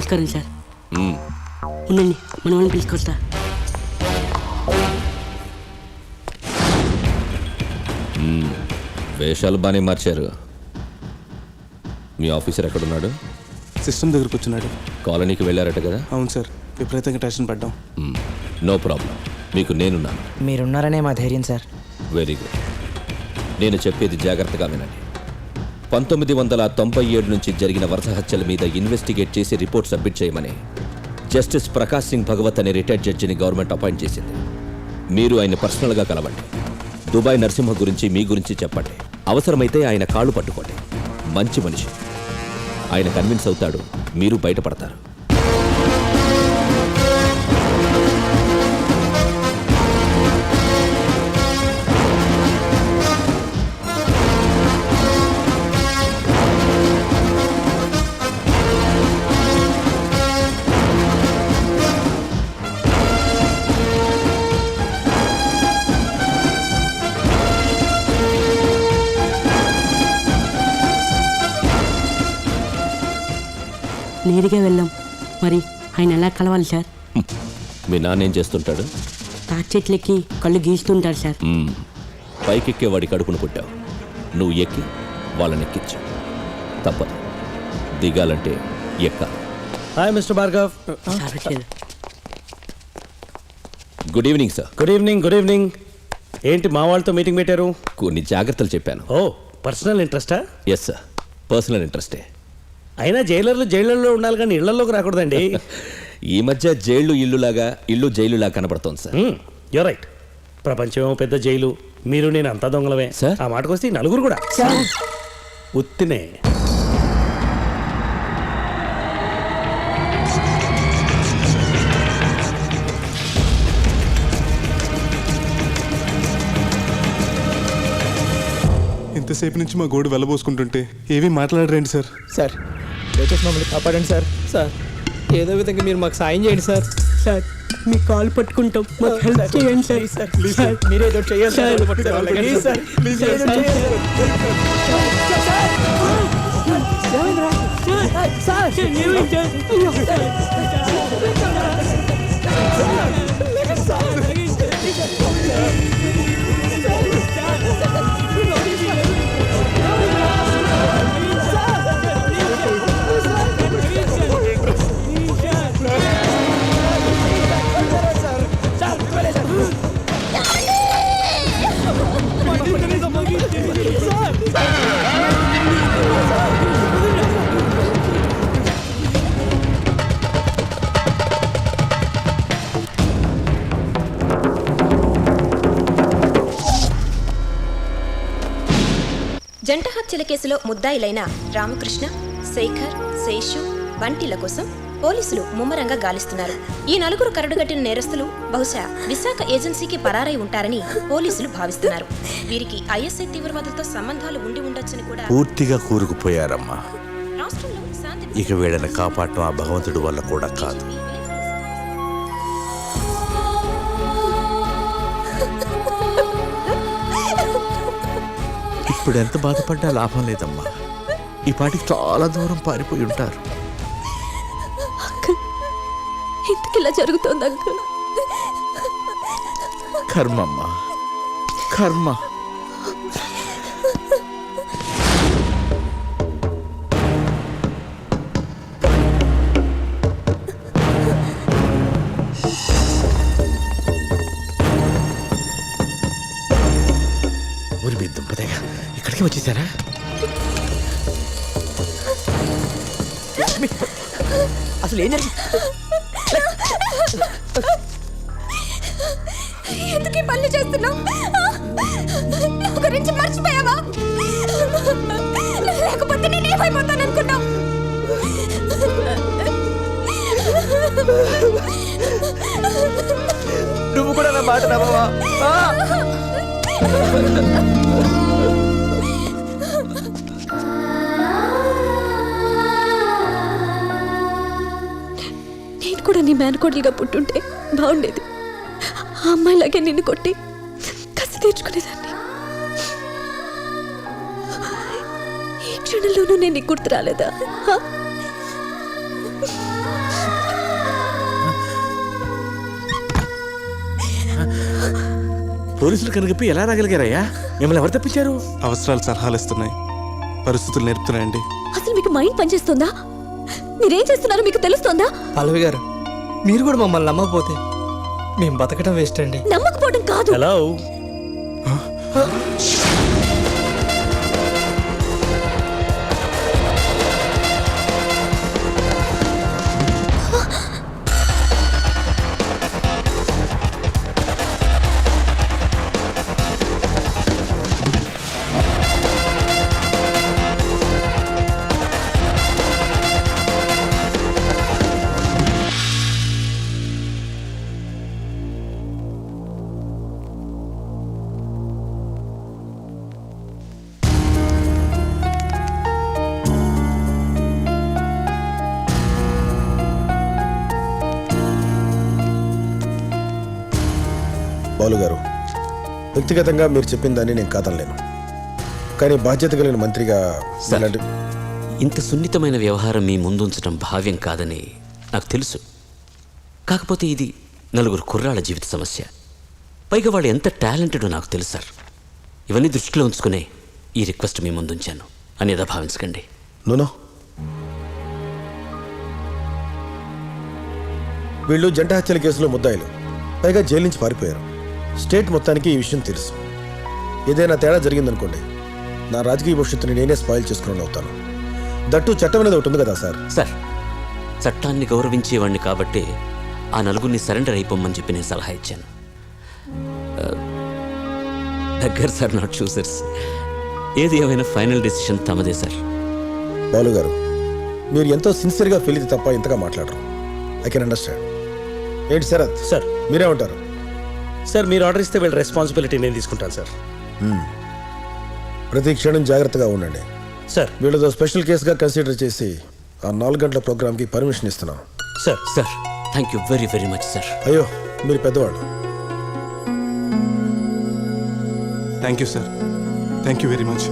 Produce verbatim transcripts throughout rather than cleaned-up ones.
నమస్కారం సార్. ఉండండి, మన వాళ్ళని పిలుచుకొస్తా. వేషాలు బాగానే మార్చారు. మీ ఆఫీసర్ ఎక్కడున్నాడు? సిస్టమ్ దగ్గరకు వచ్చినాడు. కాలనీకి వెళ్ళారట కదా? అవును సార్, విపరీతంగా టెన్షన్ పడ్డాం. నో ప్రాబ్లం, మీకు నేనున్నాను. మీరున్నారనే మా ధైర్యం సార్. Very good. నేను చెప్పేది జాగ్రత్తగా వినండి. పంతొమ్మిది వందల తొంభై ఏడు నుంచి జరిగిన వరుస హత్యల మీద ఇన్వెస్టిగేట్ చేసి రిపోర్ట్ సబ్మిట్ చేయమని జస్టిస్ ప్రకాష్ సింగ్ భగవత్ అనే రిటైర్డ్ జడ్జిని గవర్నమెంట్ అపాయింట్ చేసింది. మీరు ఆయన పర్సనల్గా కలవండి. దుబాయ్ నరసింహ గురించి, మీ గురించి చెప్పండి. అవసరమైతే ఆయన కాళ్ళు పట్టుకోండి. మంచి మనిషి, ఆయన కన్విన్స్ అవుతాడు, మీరు బయటపడతారు. నేరుగా వెళ్ళాం, మరి ఆయన ఎలా కలవాలి సార్? మీ నాన్న ఏం చేస్తుంటాడు? తాటి చెట్లెక్కి కళ్ళు గీస్తుంటాడు సార్. పైకెక్కే వాడి కడుపును పుట్టావు, నువ్వు ఎక్కి వాళ్ళని ఎక్కించు. తప్పదు, దిగాలంటే ఎక్కాలి. Hi mister Bhargav. Good evening sir. Good evening. Good evening. ఏంటి మా వాళ్ళతో మీటింగ్ పెట్టారు? కొన్ని జాగ్రత్తలు చెప్పాను. ఓ, పర్సనల్ ఇంట్రెస్టా? ఎస్ సార్, పర్సనల్ ఇంట్రెస్టే. అయినా జైలర్లు జైళ్ళల్లో ఉండాలి కానీ ఇళ్లలోకి రాకూడదండి. ఈ మధ్య జైళ్ళు ఇల్లులాగా, ఇల్లు జైలులాగా కనబడుతోంది సార్. You're right. ప్రపంచమేమో పెద్ద జైలు, మీరు నేను అంతా దొంగలమే సార్. ఆ మాటకు వస్తే నలుగురు కూడా ఉత్తినే. ఇంతసేపు నుంచి మా గోడు వెళ్ళబోసుకుంటుంటే ఏమీ మాట్లాడరండి సార్. సార్ దయచేసి మమ్మల్ని కాపాడండి సార్. సార్ ఏదో విధంగా మీరు మాకు సాయం చేయండి సార్. సార్ మీ కాల్ పట్టుకుంటాం, మాకు హెల్ప్ చేయండి సార్. సార్ ప్లీజ్ సార్, మీరే ఏదో చేయండి సార్. ప్లీజ్ సార్, ప్లీజ్ జంట హత్యల కేసులో ముద్దాయిలైన రామకృష్ణ, శేఖర్, శేషు, బంటిల కోసం పోలీసులు ముమ్మరంగా గాలిస్తున్నారు. ఈ నలుగురు కరడుగట్టిన నేరస్తులు బహుశా విశాఖ ఏజెన్సీకి పరారై ఉంటారని పోలీసులు భావిస్తున్నారు. వీరికి ఐఎస్ఐ తీవ్రవాదులతో సంబంధాలు ఉండి ఉండొచ్చని కూడా పూర్తిగా కూరుకుపోయారమ్మా. రాష్ట్రంలో శాంతి ఇక వీళ్ళని కాపాడటం ఆ భగవంతుడి వల్ల కూడా కాదు. ఇప్పుడు ఎంత బాధపడ్డా లాభం లేదమ్మా. ఈ పాటికి చాలా దూరం పారిపోయి ఉంటారు. ఎందుకు ఇలా జరుగుతోంది అంకుల్? కర్మమ్మా, కర్మ. ఊరి మీద దుంపదేగా ఇక్కడికి వచ్చేసారా? అసలు ఏం జరిగింది? ఎందుకు ఈ పనులు చేస్తున్నావు? నా గురించి మర్చిపోయావా? లేకపోతే నేను ఏమైపోతాను అనుకున్నావు? నువ్వు కూడా నా మాట నమ్మవా? నేను కూడా నీ మేనకోడలుగా పుట్టుంటే బాగుండేది. ఆ అమ్మాయిలాగే నిన్ను కొట్టి కసి తీర్చుకునేదాన్ని. ఈ క్షణంలోనూ నేను నీకు గుర్తు రాలేదా? పోలీసులు కనుగప్పి ఎలా రాగలిగారయ్యా? మిమ్మల్ని ఎవరు తప్పించారు? అవసరాలు సలహాలు ఇస్తున్నాయి, పరిస్థితులు నేర్పుతున్నాయండి. అసలు మీకు మైండ్ పనిచేస్తుందా? మీరేం చేస్తున్నారో మీకు తెలుస్తోందా? పల్లవి గారు, మీరు కూడా మమ్మల్ని నమ్మకపోతే మేము బతకడం వేస్ట్ అండి. నమ్మకపోవడం కాదు. హలో బాలు గారు, వ్యక్తిగతంగా మీరు చెప్పిన దాన్ని నేను కాదనలేను, కానీ బాధ్యత కలిగిన మంత్రిగా ఇలాంటి ఇంత సున్నితమైన వ్యవహారం మీ ముందుంచడం భావ్యం కాదని నాకు తెలుసు. కాకపోతే ఇది నలుగురు కుర్రాళ్ళ జీవిత సమస్య. పైగా వాళ్ళు ఎంత టాలెంటెడో నాకు తెలుసు సార్. ఇవన్నీ దృష్టిలో ఉంచుకునే ఈ రిక్వెస్ట్ మీ ముందుంచాను అనేదా భావించకండి. నూనో, వీళ్ళు జంట హత్యల కేసులో ముద్దాయిలు, పైగా జైలు నుంచి పారిపోయారు. స్టేట్ మొత్తానికి ఈ విషయం తెలుసు. ఏదైనా తేడా జరిగిందనుకోండి, నా రాజకీయ భవిష్యత్తుని నేనే స్పాయిల్ చేసుకుని అవుతాను. దట్టు చట్టం అనేది ఒకటి ఉంది కదా సార్. సార్, చట్టాన్ని గౌరవించేవాడిని కాబట్టి ఆ నలుగురిని సరెండర్ అయిపోమని చెప్పి నేను సలహా ఇచ్చాను. దగ్గర సార్, నాట్ చూసర్స్. ఏది ఏమైనా ఫైనల్ డెసిషన్ తమదే సార్. బాలు గారు, మీరు ఎంతో సిన్సియర్గా ఫీల్ అయితే తప్ప ఇంతగా మాట్లాడరు. I can understand. ఏంటి శరత్ సార్, మీరేమంటారు? సార్ మీరు ఆర్డర్ ఇస్తే వీళ్ళ రెస్పాన్సిబిలిటీ నేను తీసుకుంటాను సార్. ప్రతి క్షణం జాగ్రత్తగా ఉండండి సార్. వీళ్ళతో స్పెషల్ కేసుగా కన్సిడర్ చేసి ఆ నాలుగు గంటల ప్రోగ్రామ్కి పర్మిషన్ ఇస్తున్నాం. Sir sir thank you very very much sir. అయ్యో, మీరు పెద్దవాళ్ళు. Thank you sir, thank you very much.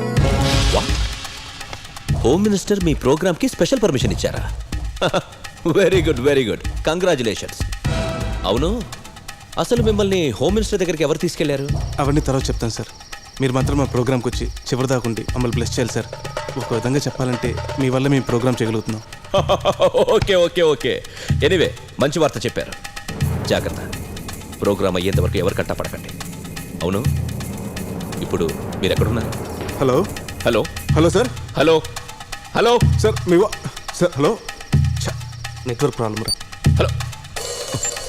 Home minister మీ ప్రోగ్రామ్కి స్పెషల్ పర్మిషన్ ఇచ్చారా? Very good, very good, congratulations. అవును, అసలు మిమ్మల్ని హోమ్ మినిస్టర్ దగ్గరికి ఎవరు తీసుకెళ్లారు? అవన్నీ తర్వాత చెప్తాను సార్. మీరు మాత్రం మా ప్రోగ్రామ్కి వచ్చి చివరి దాకుండి మమ్మల్ని బ్లెస్ చేయాలి సార్. ఒక విధంగా చెప్పాలంటే మీ వల్ల మేము ప్రోగ్రామ్ చేయగలుగుతున్నాం. ఓకే ఓకే ఓకే ఎనీవే, మంచి వార్త చెప్పారు. జాగ్రత్త, ప్రోగ్రామ్ అయ్యేంత వరకు ఎవరు కట్టపడకండి. అవును, ఇప్పుడు మీరు ఎక్కడున్నారు? Hello hello hello sir. Hello hello sir మీ వా- సార్ హలో. ఛ, నెట్వర్క్ ప్రాబ్లమ్ రా. హలో